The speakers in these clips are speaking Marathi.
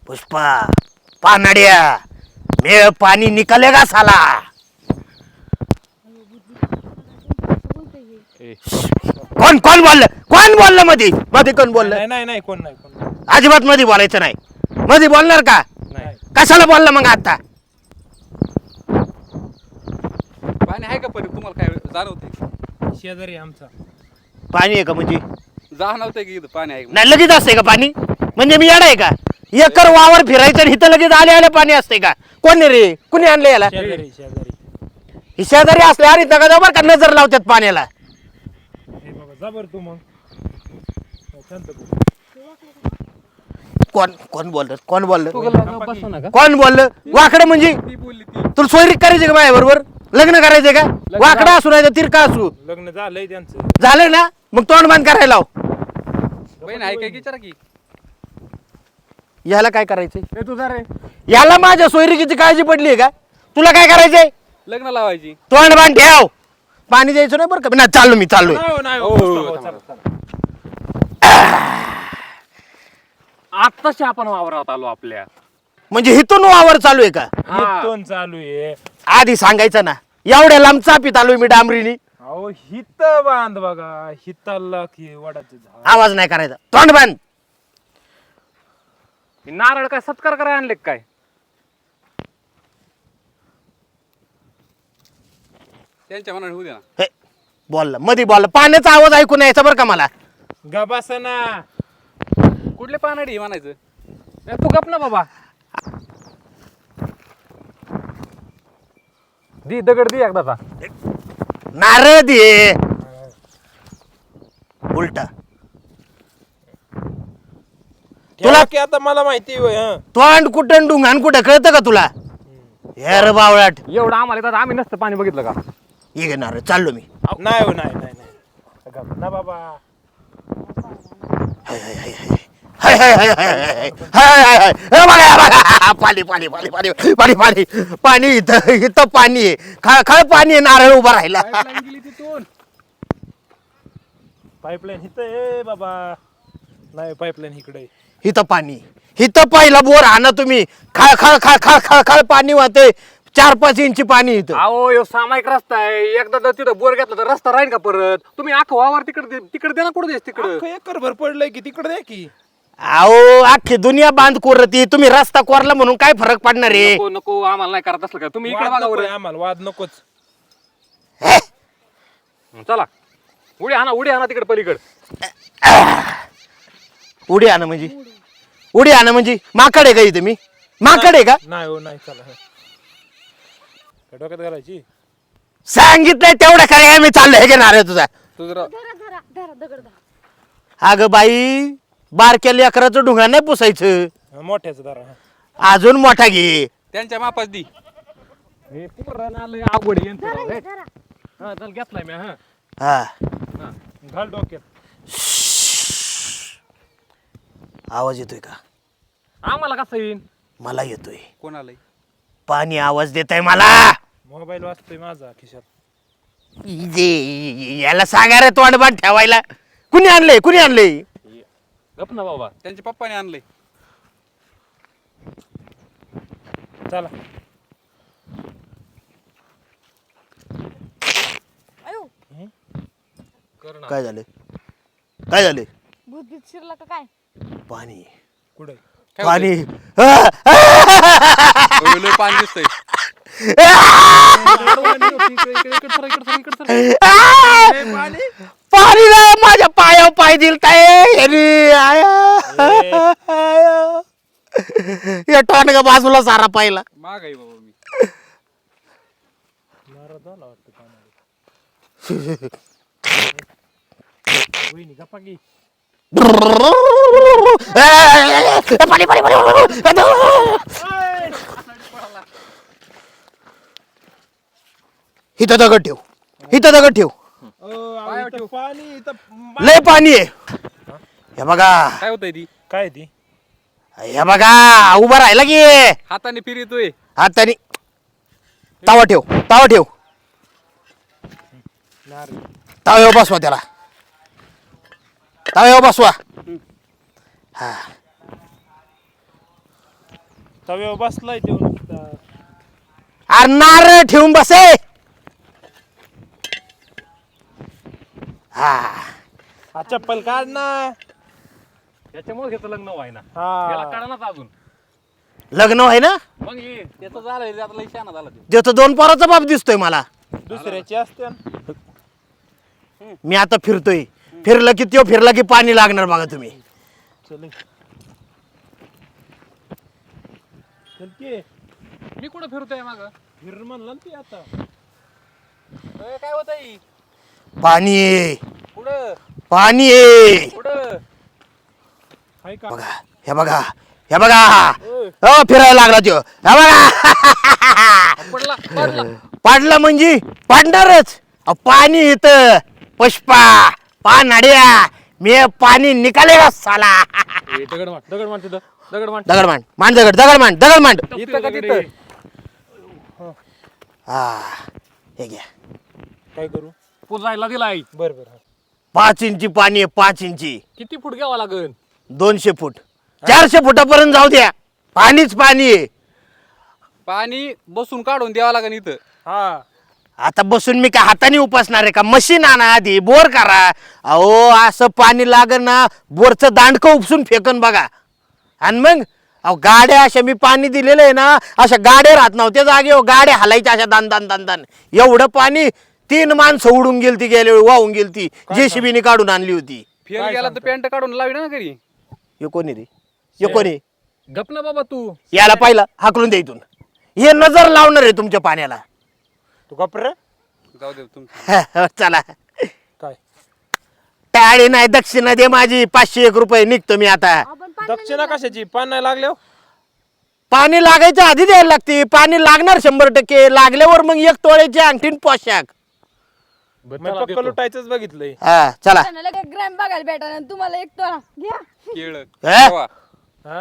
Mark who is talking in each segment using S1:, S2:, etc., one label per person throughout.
S1: पुष्पा पानड्या मेळ पाणी निकलेगा साला. कोण कोण बोललं मध्ये मध्ये कोण बोललं?
S2: नाही कोण नाही.
S1: अजिबात मध्ये बोलायचं नाही. मध्ये बोलणार का?
S2: नाही.
S1: कशाला बोलला मग आता?
S3: पाणी आहे का परत तुम्हाला काय जाणवतंय?
S2: शेजारी आमचा
S1: पाणी आहे का म्हणजे?
S3: जाणवतंय की इथं पाणी आहे?
S1: नाही लगेच असते का पाणी? म्हणजे मी येडा आहे का? एकर वावर फिरायचं आणि इथं लगेच आले पाणी असते का? कोण रे? कुणी आणलं याला?
S2: शेजारी
S1: ही शेजारी असले आणि नका जाऊ बरं का नजर लावतात पाण्याला.
S2: हे बाबा जा बरं तू मग शांत बस.
S1: कोण बोललं? कोण बोललं?
S3: बसू नका.
S1: कोण बोललं? वाकडं म्हणजे
S3: ती बोलली ती.
S1: तुला सोयरीक करायची का माझ्या बरोबर? लग्न करायचंय का? वाकडं असू नाही तर तिरका असू.
S2: लग्न झालंय त्यांचं.
S1: झालं ना मग तोंड बंद करायला लाव.
S3: बहीण आहे काय विचारा की.
S1: याला काय करायचंय?
S2: ए तुझा रे
S1: याला माझ्या सोयरिकीची काळजी पडली आहे का? तुला काय करायचंय?
S3: लग्न लावायची.
S1: तोंड बांध ठेव. पाणी द्यायचं नाही बरं का? नाही चाललो मी चाललोय.
S2: नाही
S3: हो,
S2: हो,
S3: थांबा.
S2: चला.
S4: आत्ताशी आपण वावरात आलो आपल्या.
S1: म्हणजे हिथून वावर चालू आहे का?
S2: इथून चालू आहे.
S1: आधी सांगायचं ना. एवढ्या लांब चापीत आलोय मी डांबरीनी.
S2: अहो हित बांध बघा. हिताला की वडाचं झाड.
S1: आवाज नाही करायचा. तोंड बांध.
S4: नारळ काय सत्कार करायला आणले काय?
S3: त्यांच्या मनाने होऊ दे ना.
S1: हे बोलला मध्ये बोलला. पाण्याचा आवाज ऐकून यायचा बरं का मला.
S2: गबासना
S3: कुठले पानाडी म्हणायचं?
S4: ए, तू गप ना बाबा. दी दगड दी एकदाचा.
S1: नारळ दे. उलटा
S2: तुला की आता मला माहिती होय. हं.
S1: तोंड कुठं डुंगान कुठं कळतं का तुला? हेर बावळाट.
S4: एवढं आम्हाला येतात आम्ही नसतं पाणी बघितलं का?
S1: ये घे नारळ. चाललो मी.
S2: नाही हो नाही. गप ना बाबा.
S1: हाय, हाय, हाय, हाय. हाय, हाय, हाय, हाय, हाय, हाय. हाय, हाय, हाय. हे बघा, हे बघा. पाणी पाणी पाणी पाणी पाणी पाणी पाणी इथं पाणी आहे. खळ पाणी आहे. नारळ उभा राहिला.
S3: पाईपलाईन गेली तिथून.
S2: पाईपलाईन हित ए बाबा. नाही पाईपलाईन इकडे.
S1: इथं पाणी. इथं पहिला बोर आणा तुम्ही. खळ खळ खळ खळ खळ खळ पाणी वाहते. 4-5 इंची पाणी इथं.
S4: अहो यो सामायिक रस्ता आहे. एकदा जर तिथं बोर घेतला तर रस्ता राहील का परत? तुम्ही अख्खा वावर तिकडे दे ना. कुठे देस तिकडे?
S2: अख्खं एकर भर पडलंय की तिकडे द्या की.
S1: अहो अख्खी दुनिया बांध कोरती. तुम्ही रस्ता कोरला म्हणून काय फरक पडणार आहे?
S4: नको नको आम्हाला नाही करत असलं का? तुम्ही इकडे
S2: वाद
S4: बघा
S2: नकोय
S4: बरं.
S2: आम्हाला वाद नकोच.
S1: हे?
S4: चला उडी आणा तिकडे पलीकडे.
S1: उडी आणा म्हणजे? उडी आणा म्हणजे माकड आहे का इथं? मी माकड आहे का?
S2: नाही हो नाही. चला काय डोक्यात घालायची.
S1: सांगितलंय तेवढं काय मी चाललोय. हे घेणार आहे तुझा.
S3: तू जरा
S1: अगं बाई बारक्या लेकराचं ढुंगा नाही पुसायचं.
S2: मोठ्याचं दारा.
S1: अजून मोठा घे.
S3: त्यांच्या मापास दी.
S4: हे पोरांना आलंय अवघड आहे यांचं राव. हे. हा चल घेतलाय मी. हा
S1: हा
S2: घाल डोक्यात.
S1: आवाज येतोय का?
S4: आम्हाला कसं येईन?
S1: मला येतोय.
S3: कोण आलंय?
S1: पाणी आवाज देत आहे मला.
S2: मोबाईल वाजतोय माझा खिशात.
S1: याला सांगा रे तोंड बांध ठेवायला. कुणी आणलंय? कुणी आणलंय?
S4: गप ना बाबा.
S3: त्यांच्या पप्पाने आणलंय.
S2: चला
S4: कर ना.
S1: काय झालं? काय झालं?
S5: भूत शिरला का काय?
S1: पाणी
S2: कुठे.
S3: काय
S1: पाणी.
S3: होतंय? लय पाणी दिसतंय.
S1: पाणी नाही माझ्या पायावर पाय दिलताय. या टोनगा बाजूला सारा पाहिला.
S3: माग आहे बाबा मी.
S2: नाराज झाला वाटतं पाण्याला. वहिनी गप्पा की.
S1: पाणी पाणी पाणी. इथं दगड ठेव. इथं दगड ठेव.
S2: इथं पाणी इथं
S1: लय पाणी आहे. हे बघा.
S3: काय होतंय ती?
S2: काय ती.
S1: हे बघा उभा राहिला की.
S3: हाताने फिरतोय.
S1: हाताने तावा ठेव. तावा ठेव.
S2: नारळ.
S1: ताव्यावर बसवा त्याला. ताव्यावर बसवा. हा
S2: तव्यावर बसलाय तो नुसता.
S1: अरे नारळ ठेवून बसे. हा
S2: हा चप्पल काढ ना.
S4: त्याच्यामुळे घेतलं लग्न व्हायना
S2: हा.
S4: याला कळणाच अजून
S1: लग्न आहे ना
S4: मग ये
S3: त्याचं झालं आता लई शहाणा झाला ते.
S1: देतो 2 पोराचा बाप दिसतोय मला.
S2: दुसऱ्याची असते ना.
S1: मी आता फिरतोय. फिरलं की त्यो फिरला की पाणी लागणार बघा तुम्ही.
S2: चल चल की
S4: मी कुठं फिरतोय माग
S2: फिर म्हणलं ना ती आता.
S3: काय होत आहे
S1: पाणी आहे.
S3: पुढं
S1: पाणी आहे.
S3: पुढं
S2: हाय का
S1: बघा हे बघा हे बघा. हो फिरायला लागला त्यो. हे बघा
S3: पडला पडला
S1: पाडला म्हणजे पाडणारच. अहो, पाणी इथं पुष्पा पानाड्या मी पाणी निकालेगा साला.
S4: दगड मांड तिथं दगड मांड
S1: दगड मांड मांड दगड दगड मांड दगड मांड.
S4: इथं का तिथं
S1: हा हे घ्या.
S2: काय करू.
S4: पुजायला दिलाय
S2: बर बर हा.
S1: 5 इंची पाणी आहे 5 इंची.
S4: किती फूट घ्यावा लागेल
S1: 200 फूट 400 फुटापर्यंत जाऊ द्या. पाणीच पाणी आहे.
S3: पाणी बसून काढून द्यावं लागेल इथं.
S2: हा
S1: आता बसून मी काय हाताने उपासणार आहे का. मशीन आणा आधी बोर करा. अहो असं पाणी लागन ना बोरचं दांडकं उपसून फेकन बघा. आणि मग अहो गाड्या अशा मी पाणी दिलेलं आहे ना अशा गाड्या राहत नव्हत्या जागेवर गाड्या हलायच्या अशा दान दान दान दान. एवढं पाणी 3 माणसं उडून गेलती गेल्या वेळी वाहून गेलती. JCB काढून आणली होती.
S3: फेल गेला तर पॅन्ट काढून लावी ना घरी.
S1: हे कोणी रे हे कोणी.
S4: गप ना बाबा तू
S1: याला पाहिलं हाकलून द्या इथून. हे नजर लावणार आहे तुमच्या पाण्याला.
S2: तू गप्प रे.
S3: जाऊ दे तुमचं.
S1: चला
S2: काय
S1: टाळी नाही दक्षिणा दे माझी 501 रुपये निघतो मी आता.
S5: आपण पाणी
S2: दक्षिणा कशाची पान नाही लागले.
S1: पाणी लागायच्या आधी द्यायला लागते. पाणी लागणार 100%. लागल्यावर मग 1 तोळ्याची अंगठीन पोशाख.
S2: मी पक्क लुटायचंच बघितलंय.
S1: हा चला.
S5: लगेच ग्रॅम बघायला भेटा आणि तुम्हाला एक तोळा घ्या.
S3: केळ
S1: हे?
S3: ठेवा.
S2: हा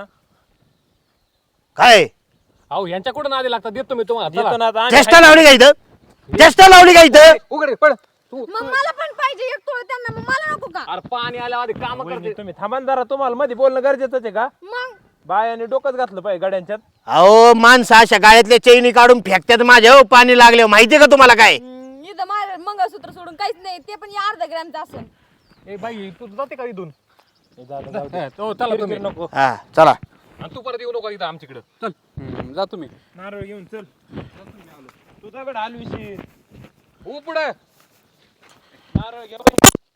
S1: काय
S4: अहो यांच्याकडून आधी लागतात देतो मी तुम्हाला
S2: देतो
S4: चला.
S2: ना आता आम्ही.
S1: चेष्टा लावली का इथं. चेष्टा लावली का इथं.
S4: उघडे पड तू
S5: मग मला पण पाहिजे एक तोळा त्यांना मग मला नको का.
S4: अरे पाणी आल्या आधी काम
S2: वहिनी,
S4: करते
S2: तुम्ही थांबान जरा. तुम्हाला मध्ये बोलणं गरजेचंच आहे का.
S5: मग
S2: बायाने डोकंच घातलं पाहिजे गड्यांच्यात.
S1: अहो माणसं अशा गाळ्यातल्या चैनी काढून फेकतात माझ्या. हो पाणी लागले माहितीये का तुम्हाला काय.
S5: इथं माझं मंगळसूत्र सोडून काहीच नाही ते पण या अर्धा ग्रॅमचं असेल.
S4: ए बाई तू जाते का इथून
S2: जाऊ दे.
S4: हो चला तुम्ही
S2: नको.
S1: हा चला.
S4: आणि तू परत येऊ नको इथं आमच्याकडं चल
S3: जा तुम्ही.
S2: नारळ घेऊन चल. तू दगड हलविशील.
S4: हो पुढे
S2: नारळ घे.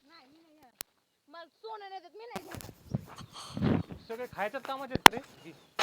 S5: मला सोनं नाही देत मी नाही घेत.
S4: सगळे खायच्याच कामाचे आहेत रे